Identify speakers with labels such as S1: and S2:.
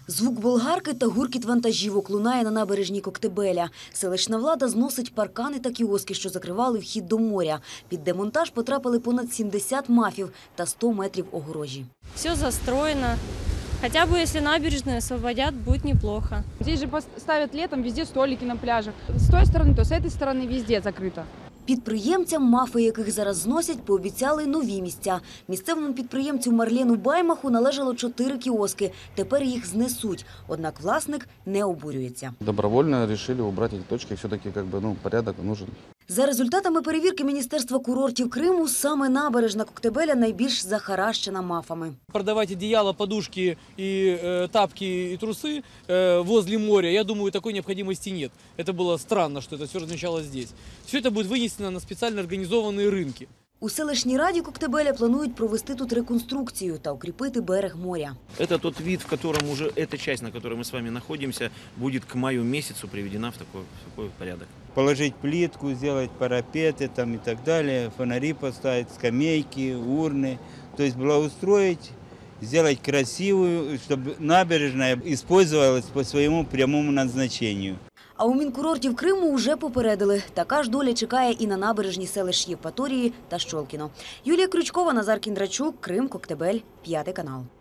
S1: Звук болгарки та гуркіт вантажівок лунає на набережній Коктебеля. Селищна влада зносить паркани та кіоски, що закривали вхід до моря. Під демонтаж потрапили понад 70 мафів та 100 метрів огорожі.
S2: Все застроено. Хотя бы если набережную освободят, будет неплохо.
S3: Здесь же поставят летом везде столики на пляжах. С той стороны, то с этой стороны везде закрыто.
S1: Підприємцям, мафи яких зараз зносять, пообіцяли нові місця. Місцевому підприємцю Марлену Баймаху належало 4 кіоски. Тепер їх знесуть. Однак власник не обурюється.
S4: Добровольно вирішили убрати ці точки, все-таки порядок нужен.
S1: За результатами перевірки Міністерства курортів Криму, саме набережна Коктебеля найбільш захаращена мафами.
S5: Продавать одеяло, подушки, и тапки, и трусы возле моря, я думаю, такой необходимости нет. Это было странно, что это все размещалось здесь. Все это будет вынесено на специально организованные рынки.
S1: У селищній раді Коктебеля планують провести тут реконструкцію та укріпити берег моря.
S6: Это тот вид, в котором уже эта часть, на которой мы с вами находимся, будет к маю месяцу приведена в такой порядок.
S7: Положить плитку, сделать парапеты там и так далее, фонари поставить, скамейки, урны. То есть благоустроить, сделать красивую, чтобы набережная использовалась по своему прямому назначению.
S1: А у Мінкурортів Криму вже попередили. Така ж доля чекає і на набережні селищ Євпаторії та Щолкіно. Юлія Крючкова, Назар Кіндрачук, Крим, Коктебель, 5 канал.